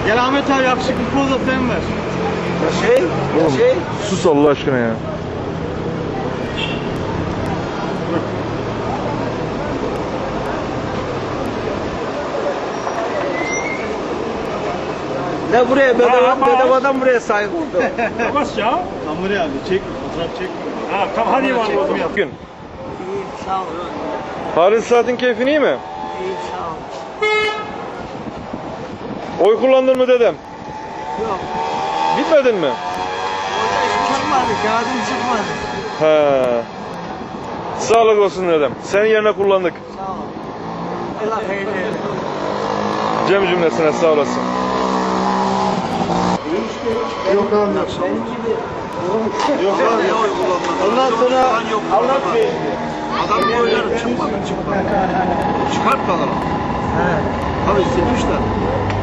Gel Ahmet abi yakışıklı poz da sen ver. Oğlum, sus Allah aşkına ya. Ne buraya bedavadan buraya sahip oldu. Yavaş ya. Kamera abi çek fotoğraf çek. Ha tamam hadi var o zaman. Gün. İyi sağ ol. Halis Saat'in keyfin iyi mi? İyi sağ ol. Oy kullandın mı dedem? Yok. Gitmedin mi? Orada hiç çıkmadı. Kağıdım çıkmadı. He. Sağlık olsun dedem. Senin yerine kullandık. Sağ ol. Allah hayırlı eylesin. Cem cümlesine sağ olasın. Yok abi yok. Benim gibi Yok abi. Ondan sonra Anlat Bey. Adam oyları çıkmadı. Çıkart bakalım. he. Tabii silmişler.